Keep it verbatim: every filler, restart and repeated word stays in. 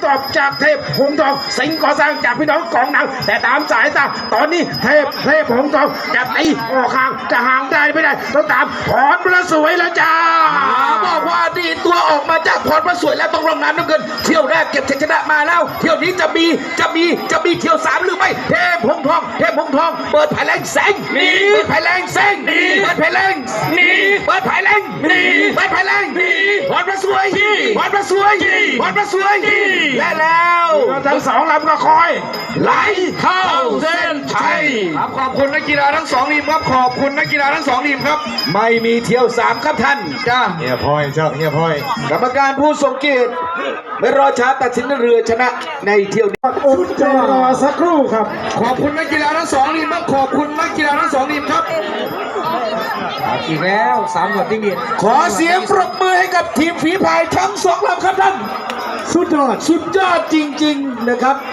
ตอบจากเทพหงส์ทองสิงห์ก่อสร้างจากพี่น้องกองหนังแต่ตามสายตาตอนนี้เทพเทพหงส์ทองจะตีออกห่างจะห่างได้ไม่ได้ต้องตามพรพระสวยแล้วจ้าบอกว่าดีตัวออกมาจากพรพระสวยแล้วต้องลงน้ำน้ำเงินเที่ยวแรกเก็บชัยชนะมาแล้วเที่ยวนี้จะมีจะมีจะมีเที่ยวสามหรือไม่เทพหงส์ทองเทพหงส์ทองเปิดไผ่แรงแสงนี่เปิดไผ่แรงแสงนี่เปิดไผ่แรงนี่เปิดไผ่แรงนี่เปิดไผ่แรงนี่พรพระสวยพรพระสวยพรพระสวยและแล้วทั้งสองลำก็คอยไหลเข้าเส้นชัยครับขอบคุณนักกีฬาทั้งสองทีมครับขอบคุณนักกีฬาทั้งสองทีมครับไม่มีเที่ยวสามครับท่านจ้าเฮียพอยเจ้าเฮียพอยกรรมการผู้ทรงเกียรติไม่รอช้าตัดสินเรือชนะในเที่ยวนี้อดใจรอสักครู่ครับขอบคุณนักกีฬาทั้งสองทีมครับขอบคุณนักกีฬาทั้งสองทีมครับอีกแล้วสามหมดที่นี่ขอเสียงปรบมือให้กับทีมฝีพายทั้งสองลำครับท่านสุดยอดสุดยอดจริงๆนะครับ